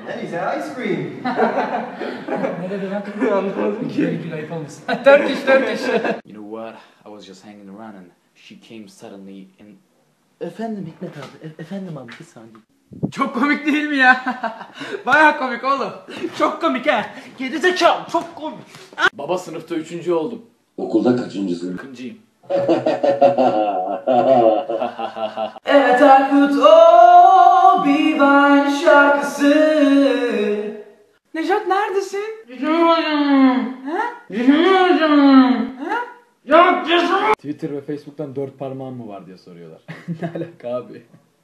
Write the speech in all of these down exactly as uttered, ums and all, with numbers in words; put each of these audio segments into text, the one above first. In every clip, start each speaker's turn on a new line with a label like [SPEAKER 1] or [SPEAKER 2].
[SPEAKER 1] And he's had ice cream.
[SPEAKER 2] Ne dedi lan? Anlamadım ki. Gül ayıp olmasın. Turkish, Turkish.
[SPEAKER 3] You know what? I was just hanging around and she came suddenly in... Efendim Hikmet abi, e- efendim abi bir saniye.
[SPEAKER 2] Çok komik değil mi ya? Baya komik oğlum. Çok komik ha. Gerizekalı, çok komik.
[SPEAKER 3] Baba sınıfta üçüncü oldum.
[SPEAKER 4] Okulda kaçıncısın?
[SPEAKER 3] Kıncıyım.
[SPEAKER 2] Evet Aykut o bir Vine şarkısı. Nejat neredesin?
[SPEAKER 5] Twitter ve Facebook'tan dört parmağın mı var diye soruyorlar. Ne alaka abi?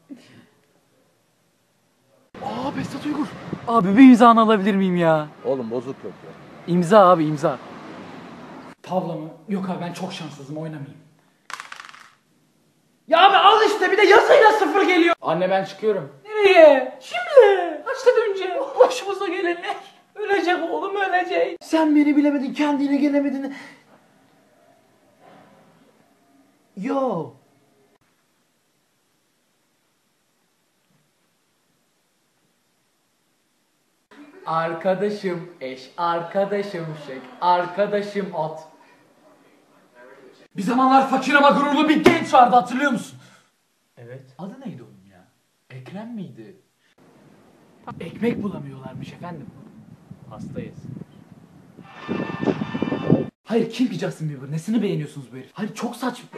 [SPEAKER 2] Aa Behzat Uygur. Abi bir imzanı alabilir miyim ya?
[SPEAKER 5] Oğlum bozuk yok ya.
[SPEAKER 2] İmza abi imza. Tavla mı? Yok abi ben çok şanssızım oynamayayım. Ya abi al işte bir de yazıyla sıfır geliyor.
[SPEAKER 3] Anne ben çıkıyorum.
[SPEAKER 2] Nereye? Şimdi. Kaçtan önce? Başımıza gelenler. Ölecek oğlum ölecek. Sen beni bilemedin kendine gelemedin. Yo. Arkadaşım eş, arkadaşım şek, arkadaşım at. Bir zamanlar fakir ama gururlu bir genç vardı hatırlıyor musun? Evet. Adı neydi onun ya? Ekrem miydi? Ekmek bulamıyorlarmış efendim.
[SPEAKER 3] Hastayız.
[SPEAKER 2] Hayır kim ki Justin Bieber? Nesini beğeniyorsunuz bu herif? Hayır çok saçma.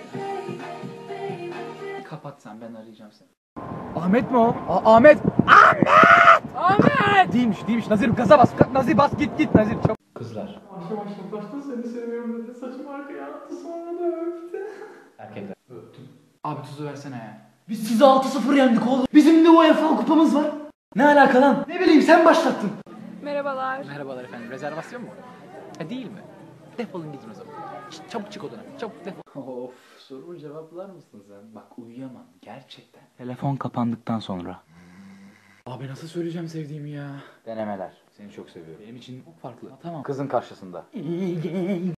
[SPEAKER 3] Kapat sen ben arayacağım seni.
[SPEAKER 2] Ahmet mi o? A- Ahmet! Ahmet! Ahmet! Değilmiş değilmiş. Nazir gaza bas. Nazir bas git git Nazir. Çabuk.
[SPEAKER 3] Kızlar.
[SPEAKER 2] Başta başta başta seni seviyorum dedi. Saçımı arkaya attı sonra da öptü.
[SPEAKER 3] Erkekler.
[SPEAKER 2] Öptüm. Abi tuzu versene ya. Biz sizi altı sıfır yendik oğlum. Bizim de UEFA kupamız var. Ne alaka lan? Ne bileyim sen başlattın.
[SPEAKER 6] Merhabalar.
[SPEAKER 2] Merhabalar efendim. Rezervasyon mu? Ha değil mi? Defolun gidin o zaman. Ç- çabuk çık odana. Çabuk defol.
[SPEAKER 3] Of sorumu cevaplar mısın sen? Bak uyuyamam gerçekten.
[SPEAKER 2] Telefon kapandıktan sonra. Abi nasıl söyleyeceğim sevdiğimi ya?
[SPEAKER 3] Denemeler. Seni çok seviyorum.
[SPEAKER 2] Benim için çok farklı. Tamam.
[SPEAKER 3] Kızın karşısında.